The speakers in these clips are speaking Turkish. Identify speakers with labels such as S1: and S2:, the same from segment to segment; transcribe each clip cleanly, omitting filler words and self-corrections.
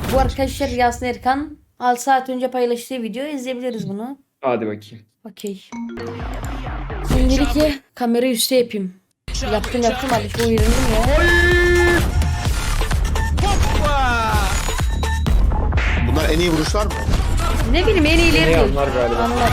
S1: Bu arkadaşlar Yasin Erkan 6 saat önce paylaştığı videoyu izleyebiliriz bunu.
S2: Hadi bakayım.
S1: Okey. Şimdilik kamerayı üstte yapayım. Yaptım hadi şu uyarındım ya.
S3: Bunlar en iyi vuruşlar mı?
S1: Ne bileyim en iyileri
S2: Ne
S1: değil.
S2: anlar galiba.
S1: Anlar.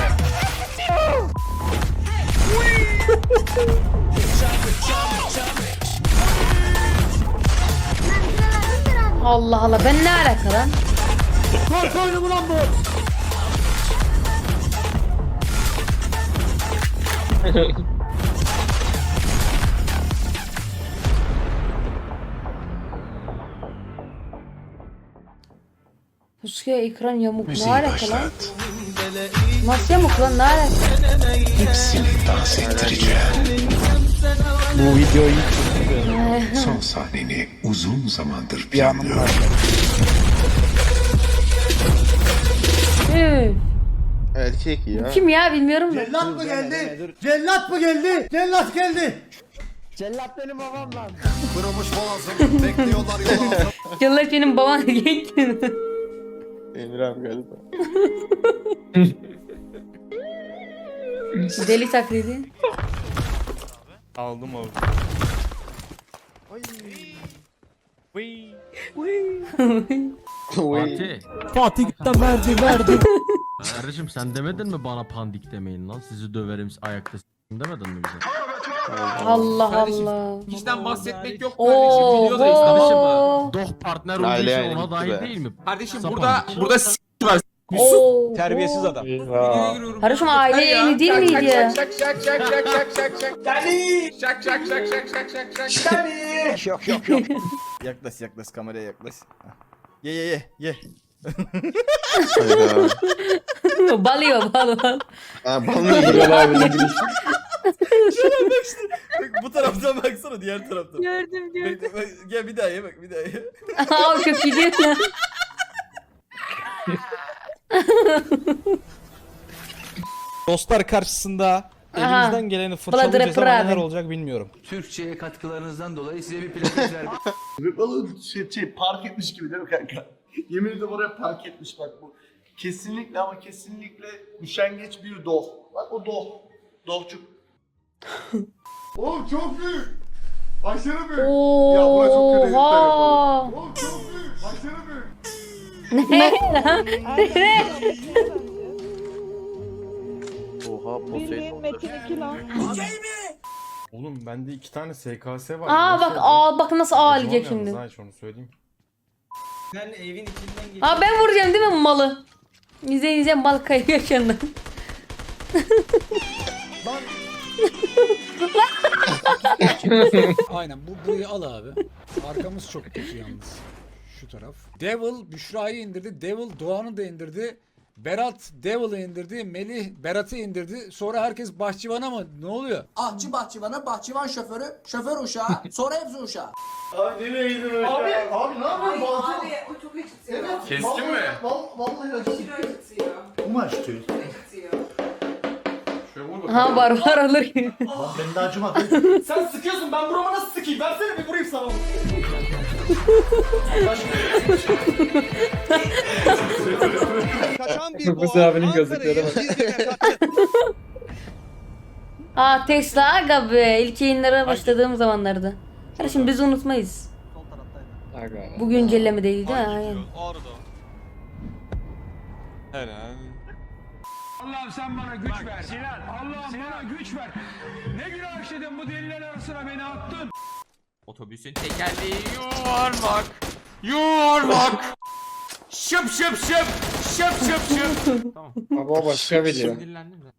S1: Allah Allah ben ne alaka lan?
S4: Korku oyunu mu lan bu?
S1: Pusuya ekran yamuk ne alaka lan? Nasıl yamuk lan ne alaka?
S5: Hepsini dans ettireceğim.
S2: Bu videoyu
S5: Son sahneni uzun zamandır planlıyorum.
S1: Üf.
S3: Erkek ya.
S1: Kim ya bilmiyorum da.
S4: Cellat mı geldi? Cellat mı geldi? Cellat geldi.
S6: Cellat benim babam lan.
S3: Kırılmış boğazım. Bekliyorlar yol altı.
S1: Yıllar benim babam genç.
S3: Emir abi galiba.
S1: Deli taklidi.
S7: Aldım abi.
S8: Fatih.
S4: Fatih de verdi.
S8: Kardeşim sen demedin mi bana pandik demeyin lan? Sizi döverim ayakta demedin mi bize?
S1: Allah
S7: Kardeşim,
S1: Allah.
S7: Bizden bahsetmek yok kardeşim. Videodayız.
S1: Oo.
S8: Doh partner olduğu
S3: Aile
S8: için
S3: yani
S8: ona
S3: gitti
S8: dahil
S3: be.
S8: değil mi?
S7: Kardeşim
S8: Sapan.
S7: burada var.
S1: Oo.
S6: Terbiyesiz adam.
S2: Eyvah.
S1: Kardeşim aile yayını değil miydi ya?
S7: Şak şak şak şak şak şak şak. Şak şak şak şak şak şak şak.
S6: Yok. Yaklaş kameraya yaklaş. Ye.
S3: Hayda.
S1: Balıyor bal.
S3: Ha bana iyi.
S2: Bilal abinin girişi.
S6: Bak, bu taraftan baksana diğer taraftan.
S1: Gördüm.
S6: Bak, gel bir daha ye bak bir daha ye.
S1: Aa çok iyi değil mi?
S9: Dostlar karşısında
S1: Aha.
S9: elimizden geleni
S1: Bladder
S9: fırçalayacağız ama
S1: Prade.
S9: neler olacak bilmiyorum.
S10: Türkçe'ye katkılarınızdan dolayı size bir plaket verdim.
S11: Oğlum park etmiş gibi değil mi kanka? Yemin ederim oraya park etmiş bak bu. Kesinlikle ama kesinlikle üşengeç bir doh. Bak o doh. Dohçuk. Oğlum çok büyük. Aşırı büyük. Ya buna çok kötü editler yapalım.
S1: Oha.
S11: Oğlum çok büyük. Aşırı büyük.
S1: Ne lan?
S3: Oha
S9: Oğlum bende 2 tane SKS var.
S1: Aa bak bak nasıl ağlayacak şimdi.
S9: Onu söyleyeyim.
S6: Sen evin içinden geç.
S1: Aa ben vuracağım değil mi malı? İzleyin mal kayıyor yanından.
S4: Aynen burayı al abi. Arkamız çok kötü yalnız. Şu taraf. Devil Büşra'yı indirdi. Devil Doğan'ı da indirdi. Berat Devil'ı indirdi. Melih Berat'ı indirdi. Sonra herkes bahçıvana mı? Ne oluyor?
S10: Ahçı bahçıvanı, bahçıvan şoförü, şoför uşağı, sonra hepsi uşağı.
S11: Abi nereye gidiyorsun? Abi ne yapıyorsun? Abi
S7: o çok acıtıyor. Keskin mi?
S11: Vallahi acıtıyor. Bu mu acıtıyor?
S1: Ha var alır gibi.
S11: Lan beni de acımadı.
S6: Sen sıkıyorsun ben burama nasıl sıkayım? Versene bir vurayım sana.
S9: Kaçan
S2: Kırmızı abinin gözlükleri bak.
S1: Aa Tesla aga be. İlk yayınlara başladığım zamanlardı. Kardeşim biz unutmayız.
S2: Aga.
S1: Bu güncellemedeydi değil mi? Aynen.
S4: Allah'ım sen bana güç ver. Allah'ım bana güç ver. Ne günah işledim bu deliler arasına beni attın.
S7: Otobüsün tekerleği yuvarlak. Yuvarlak. Şıp şıp şıp. Şıp şıp şıp.
S2: Abi o başka video.
S7: Sinirlendim de.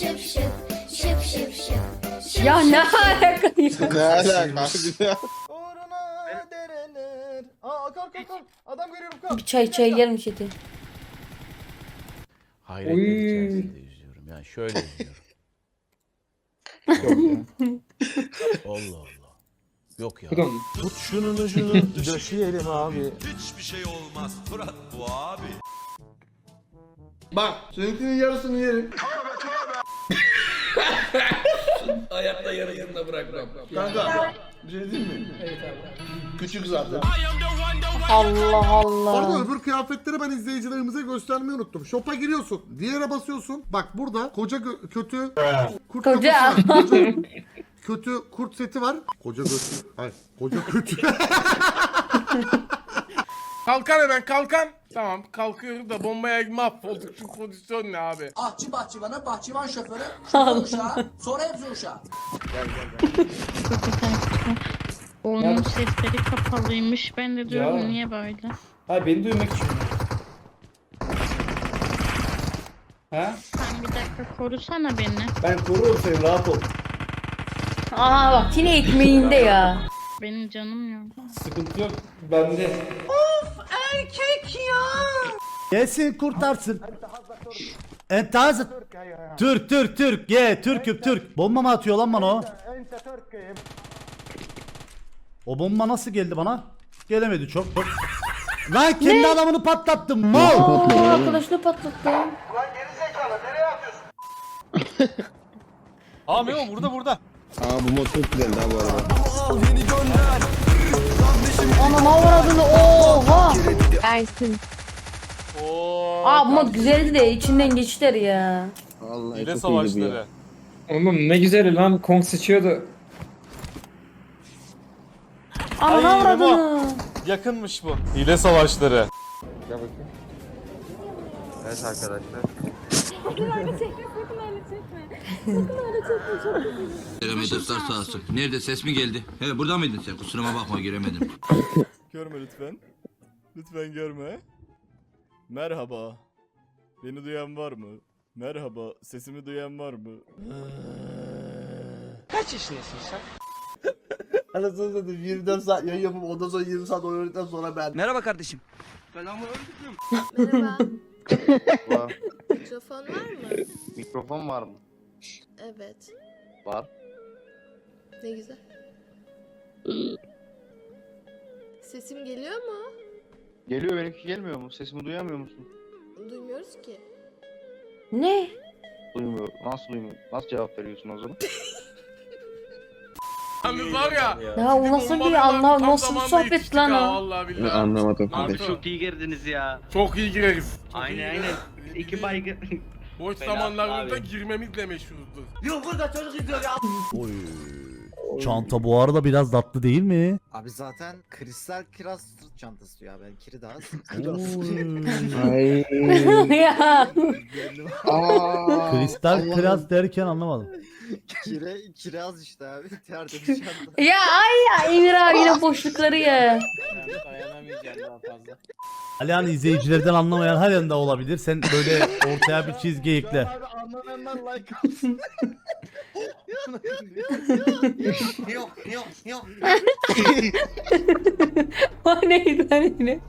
S1: Ya ne alaka ya?
S3: Ne alaka?
S6: Uğruna dereler. Aa kalk. Adam görüyorum kalk.
S1: Bir çay gelmiş eti.
S10: Hayret
S2: Oy.
S10: içerisinde izliyorum yani şöyle izliyorum. Allah Allah. Yok ya.
S2: Bu da mı?
S6: Tut şunun ucunu döşeyelim abi.
S11: Bak seninkinin yarısını yerim.
S7: Hayatta yarısında bırakmam.
S11: Kanka bir şey diyeyim mi? Evet abi. Küçük zaten.
S1: Allah
S11: Orada
S1: Allah.
S11: öbür kıyafetleri ben izleyicilerimize göstermeyi unuttum. Shop'a giriyorsun. Diğere basıyorsun. Bak burada kötü kurt
S1: Koca.
S11: kafası var. Kötü kurt seti var. Koca kötü. Hayır. Koca kötü.
S7: Kalkan hemen kalkan. Tamam kalkıyorum da bombaya mahvolduk. Şu pozisyon ne abi?
S10: Ahçı bahçıvanı, bahçıvan şoförü, şoför uşağı, sonra hepsi uşağı.
S6: Onun sesleri kapalıymış. Ben de diyorum
S2: Ya.
S6: niye böyle?
S2: Hayır beni duymak için. Ha?
S6: Sen bir dakika korusana beni.
S2: Ben korurum seni rahat ol.
S1: Aa bak yine ekmeğinde ya.
S6: Benim canım yok.
S2: Sıkıntı yok. Bende.
S11: Gelsin kurtarsın. Entazı. Türk. Ye Türk. Bomba mı atıyor lan bana o? O bomba nasıl geldi bana? Gelemedi çok. Lan kendi adamını patlattım mal.
S1: Aa arkadaşını patlattı.
S9: Aa Memo burada.
S3: Aa bu mod çok güzeldi ha bu arada.
S1: Ana ne var adını oha.
S6: Ersin.
S1: Aa bu mod güzeldi de içinden geçtiler ya.
S3: Vallahi çok iyiydi bu ya.
S2: Oğlum ne güzel lan Kong sıçıyordu.
S1: Ana ne var adını.
S9: Yakınmış bu. Hile savaşları.
S3: Evet arkadaşlar.
S10: Dostlar sağ olsun. Nerede ses mi geldi? He burada mıydın sen? Kusuruma bakma giremedim.
S9: Görme lütfen. Lütfen görme. Merhaba. Beni duyan var mı? Merhaba. Sesimi duyan var mı?
S7: Kaç yaşındasın sen?
S11: Anasını satayım 24 saat yayın yapıp ondan sonra 20 saat oynadıktan sonra ben.
S10: Merhaba kardeşim.
S6: Merhaba.
S3: Var.
S6: Mikrofon var mı?
S3: Mikrofon var mı?
S6: Evet.
S3: Var.
S6: Ne güzel. Sesim geliyor mu?
S3: Geliyor benimki gelmiyor mu? Sesimi duyamıyor musun?
S6: Duymuyoruz ki.
S1: Ne?
S3: Duymuyor. Nasıl duymuyor? Nasıl cevap veriyorsun o zaman?
S7: Abi var ya.
S1: Ya o nasıl bir anlam nasıl bir sohbet lan o.
S7: Vallahi billahi.
S3: Anlamadım.
S7: Artı.
S10: Çok iyi girdiniz ya.
S7: Çok iyi gireriz.
S10: Aynen. İki baygın.
S7: Boş zamanlarımızda girmemizle meşhurdur.
S10: Yok burada çocuk izliyor ya.
S11: Çanta bu arada biraz tatlı değil mi?
S3: Abi zaten kristal kiraz çantası ya. Ben kiri daha
S2: Ay.
S1: Ya.
S11: Kristal kiraz derken anlamadım.
S3: kiraz işte abi. Tertemiz çanta.
S1: Ya ay ya Emir abi yine boşlukları ya.
S9: Dayanamayacağım daha fazla.
S11: Alihan izleyicilerden anlamayan her yanda olabilir. Sen böyle ortaya bir çizgi ekle.
S3: Abi anlamayanlar like alsın. Yok.
S1: O neydi lan yine?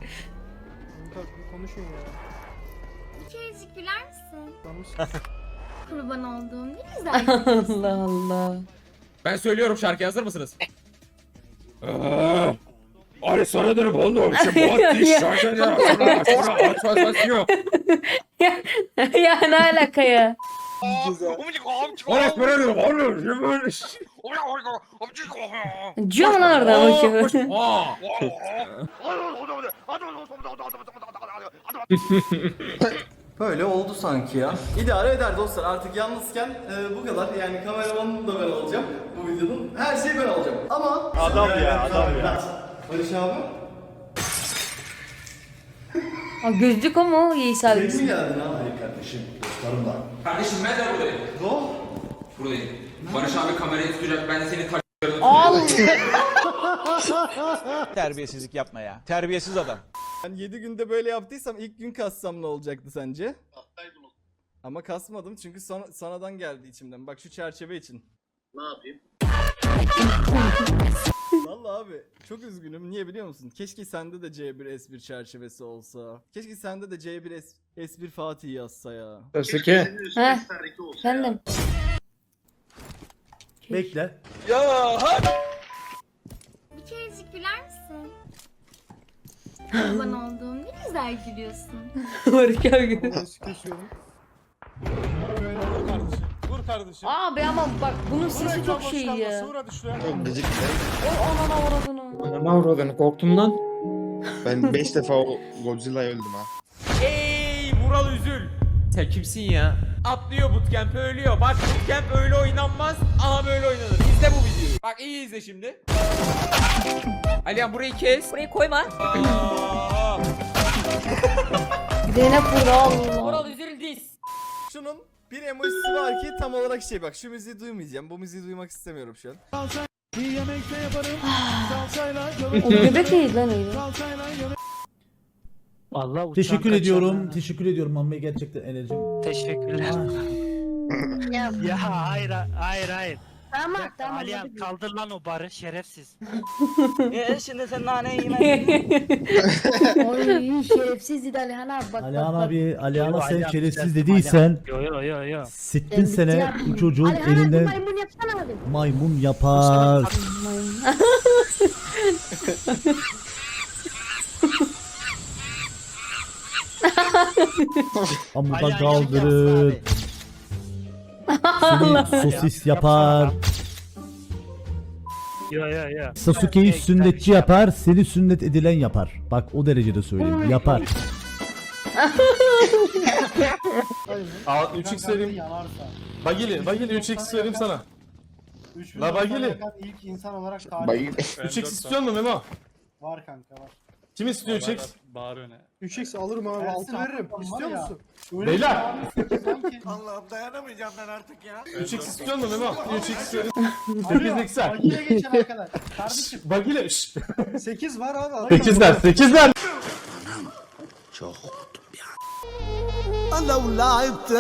S6: Bir kerecik güler misin? Kurban olduğum ne güzel.
S1: Allah Allah.
S7: Ben söylüyorum şarkı hazır mısınız?
S2: Ari sana dönüp oğlum. Şu boğaz diş şarkı ya.
S1: Ya ne alaka ya?
S2: Orası böyle oğlum.
S1: Diyor mu lan orada bakıyor.
S10: Böyle oldu sanki ya. İdare eder dostlar. Artık yalnızken bu kadar. Yani kameramanım da ben olacağım bu videonun. Her şeyi ben olacağım. Ama adam ya. Barış abi.
S1: Aa, gözlük o mu? İyi abi.
S10: Mi geldin ha? Hayır kardeşim. Dostlarım var.
S7: Kardeşim ben de buradayım.
S10: Go.
S7: Buradayım. Barış abi kamerayı tutacak. Ben de seni
S1: Allah.
S9: Terbiyesizlik yapma ya. Terbiyesiz adam. Ben 7 günde böyle yaptıysam ilk gün kassam ne olacaktı sence? Ama kasmadım çünkü sanadan geldi içimden. Bak şu çerçeve için.
S11: Ne yapayım?
S9: Vallahi abi çok üzgünüm. Niye biliyor musun? Keşke sende de C1 S1 çerçevesi olsa. Keşke sende de C1 S1 Fatih yazsa ya.
S2: Sasuke.
S1: Heh. Efendim.
S11: Bekle.
S6: Bir kerecik güler misin? Kurban olduğum ne güzel gülüyorsun.
S1: Barış abi.
S9: Vur
S7: kardeşim.
S1: Abi ama bak bunun sesi çok şey ya.
S2: Çok gıcık.
S1: O anana uğradığını.
S2: Ne avradın korktum lan. Ben 5 defa o Godzilla'ya öldüm ha.
S7: Ey Vural Üzül. Sen kimsin ya? Atlıyor bootcamp ölüyor. Bak bootcamp öyle oynanmaz. Aha böyle oynanır. İzle bu videoyu. Bak iyi izle şimdi. Alihan burayı kes.
S1: Burayı koyma.
S7: Aa.
S1: Zeynep burada Allah.
S7: Vural Üzül diz.
S10: Şunun bir emojisi var ki tam olarak şey bak şu müziği duymayacağım. Bu müziği duymak istemiyorum şu an.
S1: O göbek neydi lan öyle?
S11: Teşekkür ediyorum. Teşekkür ediyorum Mamme gerçekten enerjim.
S12: Teşekkürler. Ya hayır hayır.
S1: Tamam
S12: Alihan kaldır lan o barı şerefsiz.
S1: Şimdi sen naneyi yemedin. Oy şerefsiz dedi Alihan abi bak
S11: Alihan
S1: bak.
S11: abi, Alihan'a sen
S12: Alihan,
S11: şerefsiz
S12: sen-
S11: dediysen
S12: Yo.
S11: siktin sene bu çocuğun elinden
S1: Maymun yapsana abi.
S11: maymun yapar. Amuda
S12: Alihan
S11: kaldırır. Seni sosis yapar.
S12: Yo.
S11: Sasuke'yi sünnetçi yapar, seni sünnet edilen yapar. Bak o derecede söyleyeyim. Yapar.
S10: 3x vereyim. Bagili 3x vereyim sana. La Bagili.
S11: İlk insan olarak
S2: Bayıl.
S10: 3x istiyor musun Memo?
S11: var kanka var.
S10: Kim istiyor 3x?
S11: 3x alırım abi. Altı veririm. İstiyor musun?
S10: Beyler.
S3: Allah'ım dayanamayacağım ben artık ya.
S10: 3x istiyor musun Memo? 3x vereyim. 8x'ler.
S11: Bagi'ye geçen arkadaş. Kardeşim
S10: Bagili.
S11: 8 var abi.
S10: 8'ler.
S11: لو لعبت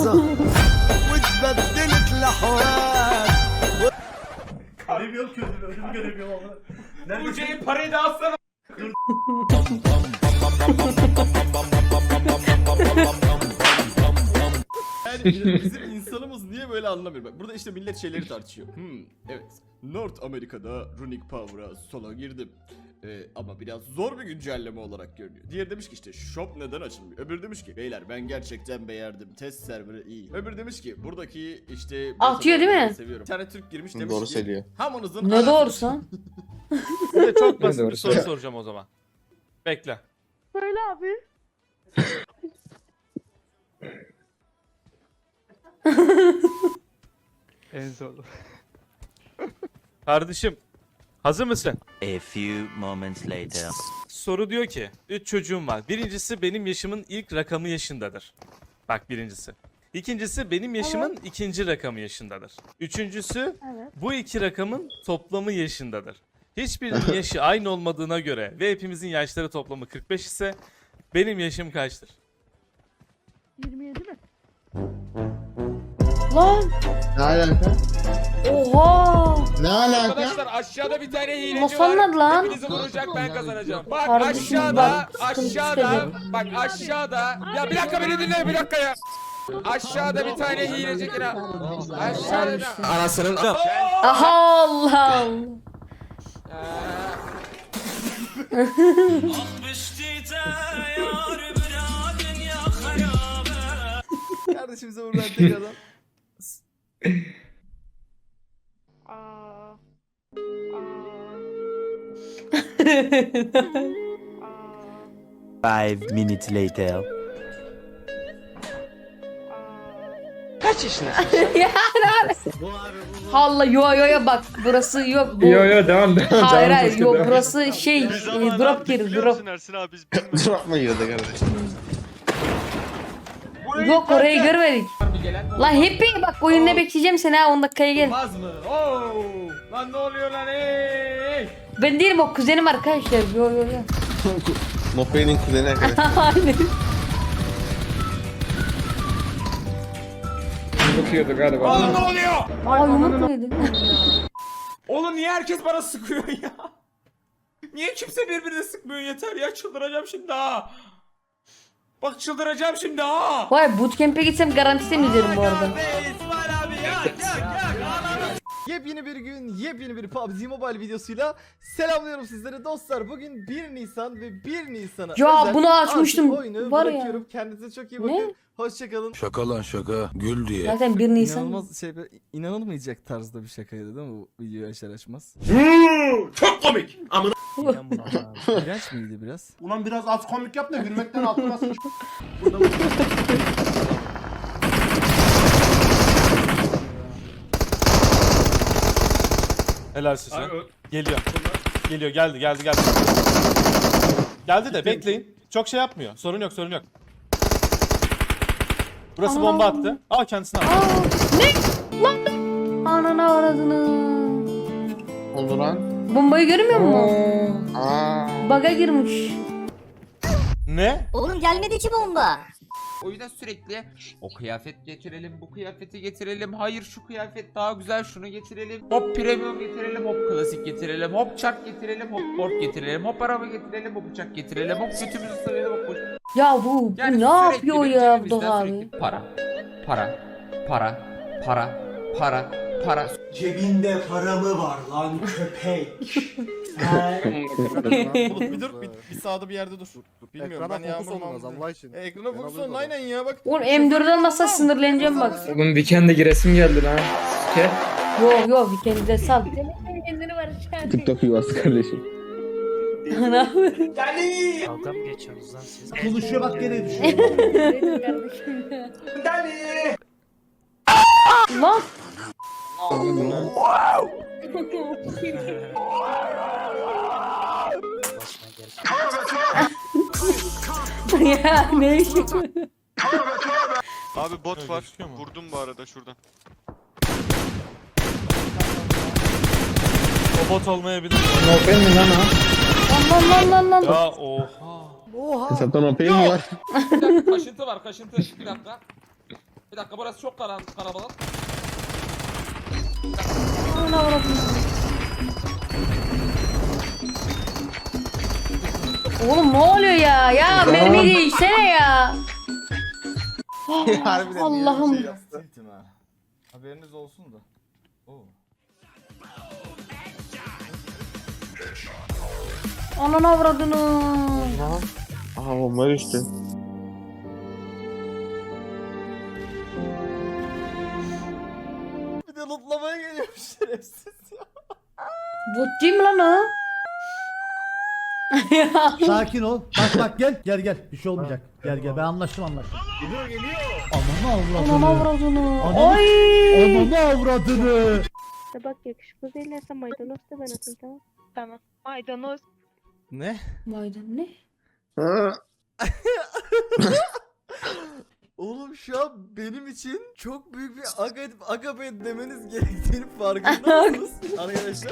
S11: واتبدلت الاحوال göremiyorum gözümü önümü göremiyorum ama.
S7: Bu şeyin parayı da alsana.
S10: Yani bizim insanımız niye böyle anlamıyor. Bak burada işte millet şeyleri tartışıyor. Evet. North Amerika'da Runic Power'a sola girdim. Ama biraz zor bir güncelleme olarak görünüyor. Diğer demiş ki işte shop neden açılmıyor? Öbür demiş ki beyler ben gerçekten beğendim. Test serverı iyi. Öbür demiş ki buradaki işte
S1: Atıyor değil mi?
S10: Seviyorum. Bir tane Türk girmiş demiş
S2: Doğru
S10: ki
S2: söylüyor.
S10: hamınızın
S1: Ne doğrusu?
S7: Size çok basit
S2: Doğru
S7: bir soru
S2: söylüyor.
S7: soracağım o zaman. Bekle.
S1: Söyle abi.
S7: En zorlu. Kardeşim, hazır mısın?
S12: A few moments later.
S7: Soru diyor ki, 3 çocuğum var. Birincisi benim yaşımın ilk rakamı yaşındadır. Bak birincisi. İkincisi benim yaşımın ikinci rakamı yaşındadır. Üçüncüsü bu iki rakamın toplamı yaşındadır. Hiçbirinin yaşı aynı olmadığına göre ve hepimizin yaşları toplamı 45 ise benim yaşım kaçtır?
S1: 27 mi? Lan
S2: Ne alaka?
S1: oha.
S2: Ne alaka?
S7: Arkadaşlar aşağıda bir tane hileci
S1: Nasıl
S7: var.
S1: anladı lan?
S7: Hepinizi vuracak ben kazanacağım. Bak
S1: Kardeşim,
S7: aşağıda,
S1: bak, sıkıntı
S7: aşağıda,
S1: çıkacak.
S7: bak aşağıda. Ya bir dakika beni dinle bir dakika ya. Aşağıda bir tane hileci yine. Aşağıda.
S2: Anasının
S1: Aha Allah Allah.
S10: kardeşimize buradan tekrardan
S12: 5 minutes later.
S1: Allah yo bak burası yok bu.
S2: Yo devam.
S1: Hayır hayır yok burası şey drop geri drop.
S2: Drop mu yiyordu kardeşim?
S1: Yok orayı görmedik. Lan hep bak oyunda bekleyeceğim seni ha 10 dakikaya gel.
S7: Olmaz mı? Oo! Lan ne oluyor lan ey?
S1: Ben değilim o kuzenim arkadaşlar. Yo.
S2: Mopey'nin kuzeni arkadaşlar.
S1: Aynen.
S2: Bakıyordu galiba.
S7: Oğlum ne oluyor?
S1: Aa yumruk mu yedin?
S7: Oğlum niye herkes bana sıkıyor ya? Niye kimse birbirine sıkmıyor yeter ya çıldıracağım şimdi ha. Bak çıldıracağım şimdi ha.
S1: Vay bootcamp'e gitsem garantisi mi derim bu arada?
S9: Yepyeni bir gün, yepyeni bir PUBG Mobile videosuyla selamlıyorum sizleri dostlar. Bugün 1 Nisan ve 1 Nisan'a
S1: Ya
S9: özel
S1: bunu açmıştım.
S9: artık oyunu
S1: Var ya.
S9: bırakıyorum. Kendinize çok iyi bakın.
S1: Ne?
S9: Hoşçakalın.
S5: Şaka lan şaka. Gül diye.
S1: Zaten 1 Nisan.
S9: İnanılmaz inanılmayacak tarzda bir şakaydı değil mi bu videoyu açar açmaz?
S11: Çok komik. Amına.
S9: İğrenç miydi biraz?
S11: Ulan biraz az komik yap da gülmekten altıma sıç.
S7: Helal size. Geliyor. Geliyor geldi. Geldi de bekleyin. Çok şey yapmıyor. Sorun yok. Burası bomba attı. Aa kendisine attı.
S1: Anana avradını.
S2: Oldu lan.
S1: Bombayı görmüyor musun? Baga girmiş.
S7: Ne?
S6: Oğlum gelmedi ki bomba.
S13: O yüzden sürekli o kıyafet getirelim, bu kıyafeti getirelim. Hayır şu kıyafet daha güzel, şunu getirelim. Hop premium getirelim, hop klasik getirelim, hop çark getirelim, hop board getirelim, hop araba getirelim, hop uçak getirelim, hop götümüzü sıvayalım, hop boş.
S1: Ya bu
S13: Yani
S1: ne
S13: sürekli
S1: yapıyor
S13: bir
S1: ya bu
S13: cebimizden
S1: da abi?
S13: sürekli para.
S11: Cebinde para mı var lan köpek?
S9: Bulut bir dur, bir sağda bir yerde dur. Bilmiyorum ben Yağmur
S3: Allah için.
S9: Ekrana fokus olun aynen ya bak.
S1: Oğlum M4 almazsa sinirleneceğim bak.
S12: Oğlum Weekend'e giresim geldi lan.
S1: Yok bir kendine sal.
S6: Kendini var şu
S2: TikTok yuvası kardeşim.
S1: Ne yapıyorsun?
S12: Dalga mı geçiyorsunuz lan siz?
S11: Konuşuyor bak gene düşüyor.
S1: Lan. Ya ne işi?
S10: Abi bot var. Vurdum bu arada şuradan.
S7: O bot olmayabilir.
S1: Lan.
S7: Ya oha.
S2: Hesaptan OP'yi mi var?
S13: Bir dakika kaşıntı var kaşıntı. Bir dakika burası çok karabalık.
S1: Ana avradını. Oğlum ne oluyor ya? Ya mermi değişsene ya.
S9: Harbiden
S1: Allah'ım.
S9: Tiltim ha. Haberiniz olsun da. Oo.
S1: Ananı avradını.
S2: Aha bomba düştü.
S9: Bir de lootlamaya geliyor şerefsiz ya.
S1: Bot değil mi lan o? Ya.
S11: Sakin ol. Bak gel. Gel. Bir şey olmayacak. Gel. Ben anlaştım. Geliyor. Ananı avradını. Ananı avradını.
S6: Bak yakışıklı değillerse maydanoz da ben atayım tamam. Tamam. Maydanoz.
S9: Ne?
S1: Maydanoz ne?
S9: Oğlum şu an benim için çok büyük bir agape demeniz gerektiğini farkında mısınız arkadaşlar?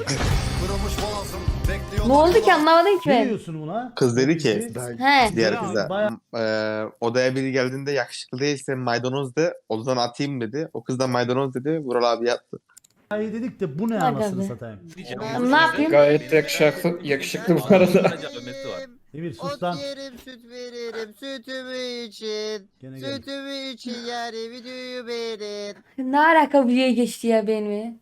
S1: Ne oldu ki anlamadım ki
S11: Ne
S1: ben.
S11: diyorsun buna?
S2: Kız dedi ki
S1: He.
S2: diğer kıza odaya biri geldiğinde yakışıklı değilse maydanoz de odadan atayım dedi. O kız da maydanoz dedi. Vural abi yattı.
S11: Hayır dedik de bu ne
S1: Bak
S11: anasını
S1: abi.
S11: satayım.
S1: Ne yapayım?
S12: Gayet yakışıklı bu arada.
S11: Emir sus lan.
S3: Süt veririm sütümü için.
S11: Gene gel.
S3: Sütümü için yani videoyu beğenin.
S1: Ne alaka bir yere geçti ya benim?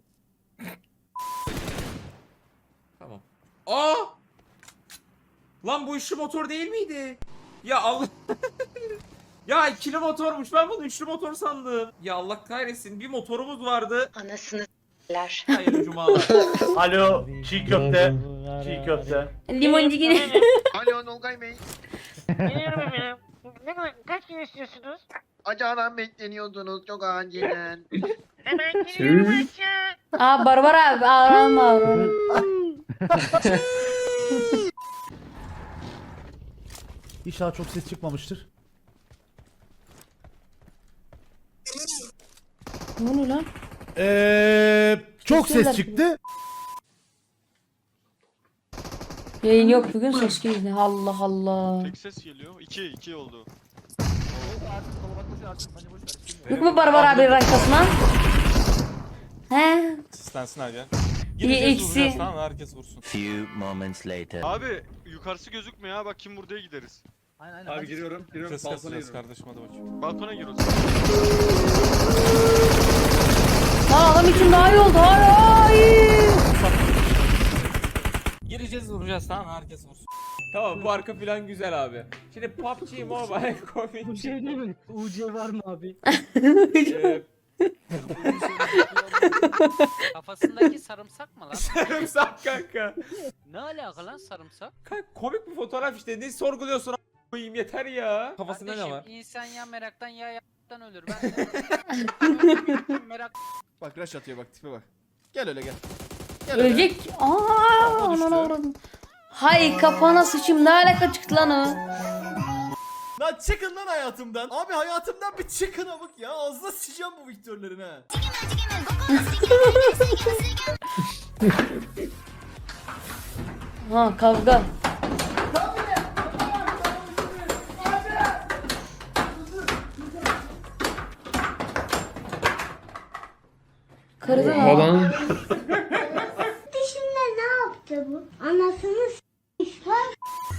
S13: Tamam. Aa! Lan bu üçlü motor değil miydi? Ya Allah. Ya ikili motormuş. Ben bunu üçlü motor sandım. Ya Allah kahretsin. Bir motorumuz vardı.
S6: Anasını s**ler.
S13: Hayırlı cumalar.
S11: Alo. Çiğ köfte.
S1: Limoncu gibi.
S3: Alo Nolgay Bey.
S6: Kaç gün istiyorsunuz?
S3: Acanan bekleniyordunuz çok acilen.
S6: Hemen geliyorum aşağı.
S1: Aa Barbar abi ağlama.
S11: İnşallah çok ses çıkmamıştır.
S1: Ne oluyor lan?
S11: Çok
S1: Sesler.
S11: ses çıktı.
S1: Yayın yok bugün ses geliyor. Allah Allah.
S10: Ses geliyor. 2 oldu.
S1: Yok mu Barbar abi rankasına? He?
S7: Sistensin hadi.
S1: İyi
S7: Gireceğiz
S1: eksi.
S7: vuracağız tamam herkes vursun.
S12: Few moments later.
S10: Abi yukarısı gözükmüyor ha bak kim buraya gideriz.
S9: Aynen.
S11: Abi giriyorum.
S7: Ses kasacağız kardeşim hadi bakayım.
S10: Balkona gir o zaman.
S1: adam için daha iyi oldu. Hayır.
S13: Gireceğiz vuracağız tamam herkes vursun. Tamam bu arka plan güzel abi. Şimdi PUBG Mobile komik.
S12: Bir şey değil mi? UC var mı abi?
S13: Kafasındaki sarımsak mı lan? Sarımsak kanka. Ne alaka lan sarımsak? Kanka komik bir fotoğraf işte ne sorguluyorsun a**ayım yeter ya. Kafasında ne var? İnsan ya meraktan ya yaptan ölür ben de. Merak.
S9: Bak rush atıyor bak tipe bak. Gel öyle gel.
S1: Ölecek. Anana uğradım. Hay kafana sıçayım ne alaka çıktı lan o.
S9: Lan çıkın lan hayatımdan. Abi hayatımdan bir çıkın amık ya. Ağzına sıçacağım bu Victor'ların ha.
S1: Ha kavga. Kırdı mı?
S12: Falan.
S6: Dişimle ne yaptı bu? Anasını s**ler.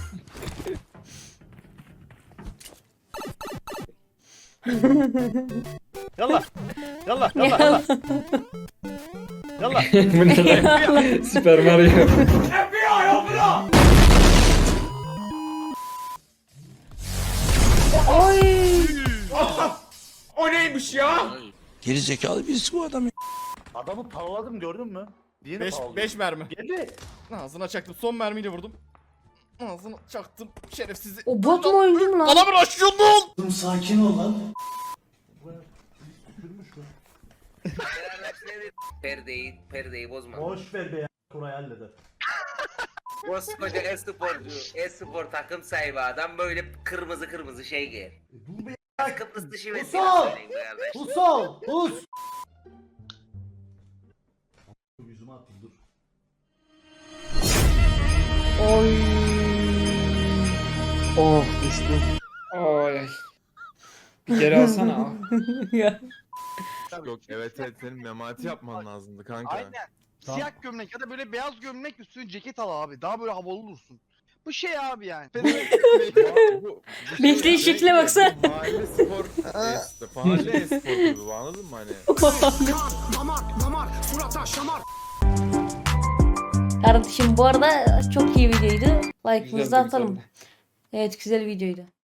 S13: Yallah. Yallah yallah yallah. Yallah.
S12: Bu ne lan? Süper Mario.
S1: Oy.
S13: O neymiş ya?
S5: Geri zekalı birisi bu adam.
S11: Adamı paraladım gördün mü?
S9: 5 mermi. Geldi. Ağzına çaktım. Son mermiyle vurdum. Ağzına çaktım. Şerefsizi.
S1: O bot mu oyuncu mu lan?
S9: Adamın aşıyorsun lan.
S11: Sakin ol lan.
S13: Perdeyi bozma.
S11: Boş ver be ya. Koray halleder.
S13: Koskoca e-spor takım sahibi adam böyle kırmızı şey giyer.
S11: Dur be.
S13: Kıbrıs dışı
S11: ve Pus ol. Pus. Yüzüme atayım dur.
S1: Oy.
S12: Oh düştü. Ay. Bir geri alsana.
S1: Ya.
S2: Yok evet senin memati yapman lazımdı kanka.
S11: Aynen. Siyah gömlek ya da böyle beyaz gömlek üstüne ceket al abi. Daha böyle havalı olursun. Bu şey abi yani.
S1: Bekleyin şekle baksana.
S2: Mahalle spor mahalle espor gibi bu, anladın mı hani?
S1: Kardeşim bu arada çok iyi videoydu. Like'ımızı
S12: Güzel,
S1: atalım.
S12: güzel.
S1: Evet güzel videoydu.